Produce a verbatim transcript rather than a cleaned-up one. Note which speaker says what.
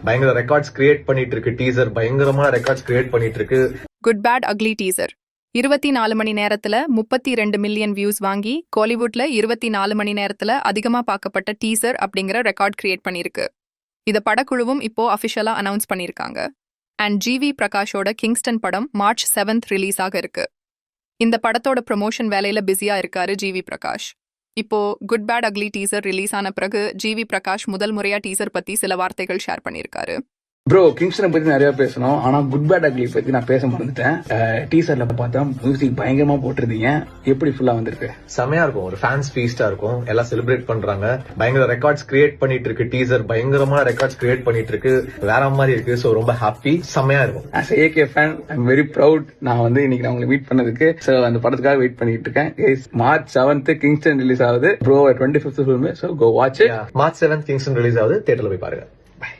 Speaker 1: பயங்கர records create பண்ணிட்டு இருக்கு. டீசர் பயங்கரமா ரெக்கார்ட்ஸ் கிரியேட் பண்ணிட்டு இருக்கு.
Speaker 2: குட் பேட் அக்லி டீசர் இருபத்தி நாலு மணி நேரத்துல முப்பத்தி ரெண்டு மில்லியன் வியூஸ் வாங்கி கோலிவுட்ல இருபத்தி நாலு மணி நேரத்துல அதிகமா பார்க்கப்பட்ட டீசர் அப்படிங்கிற ரெக்கார்ட் கிரியேட் பண்ணிருக்கு. இத படக்குழுவும் இப்போ அபிஷியலா அனௌன்ஸ் பண்ணிருக்காங்க. அண்ட் ஜிவி பிரகாஷோட கிங்ஸ்டன் படம் மார்ச் செவன்த் ரிலீஸ் ஆக இருக்கு. இந்த படத்தோட ப்ரமோஷன் வேலையில பிஸியா இருக்காரு ஜிவி பிரகாஷ். இப்போ good bad ugly teaser release ஆன பிறகு ஜிவி பிரகாஷ் முதல் முறையா டீசர் பத்தி சில வார்த்தைகள் ஷேர் பண்ணிருக்காரு.
Speaker 3: ப்ரோ, கிங்ஸ்டனை பத்தி நிறைய பேசணும், ஆனா குட் பேட் அக்லி பத்தி நான் பேச மறந்துட்டேன். டீசர்ல பார்த்தா மியூசிக் பயங்கரமா போட்டிருந்தீங்க, எப்படி ஃபுல்லா வந்திருக்கு?
Speaker 1: செமையா இருக்கும், ஒரு ஃபேன்ஸ் ஃபீஸ்டா இருக்கும், எல்லாம் செலிப்ரேட் பண்றாங்க. பயங்கர ரெக்கார்ட்ஸ் கிரியேட் பண்ணிட்டு இருக்கு. டீசர் பயங்கரமா ரெக்கார்ட்ஸ் கிரியேட் பண்ணிட்டு இருக்கு, வேற மாதிரி இருக்கு. சோ ரொம்ப ஹாப்பி, செமையா இருக்கும்.
Speaker 3: As AK fan I am very proud. நான் வந்து இன்னைக்கு நான் உங்களை மீட் பண்ணதுக்கு. சோ அந்த படத்துக்காக வெயிட் பண்ணிட்டு இருக்கேன். மார்ச் செவன்த் கிங்ஸ்டன் ரிலீஸ் ஆகுது bro, twenty fifth film. So go watch.
Speaker 1: March seventh Kingston release ஆகுது, தியேட்டர்ல போய் பாருங்க.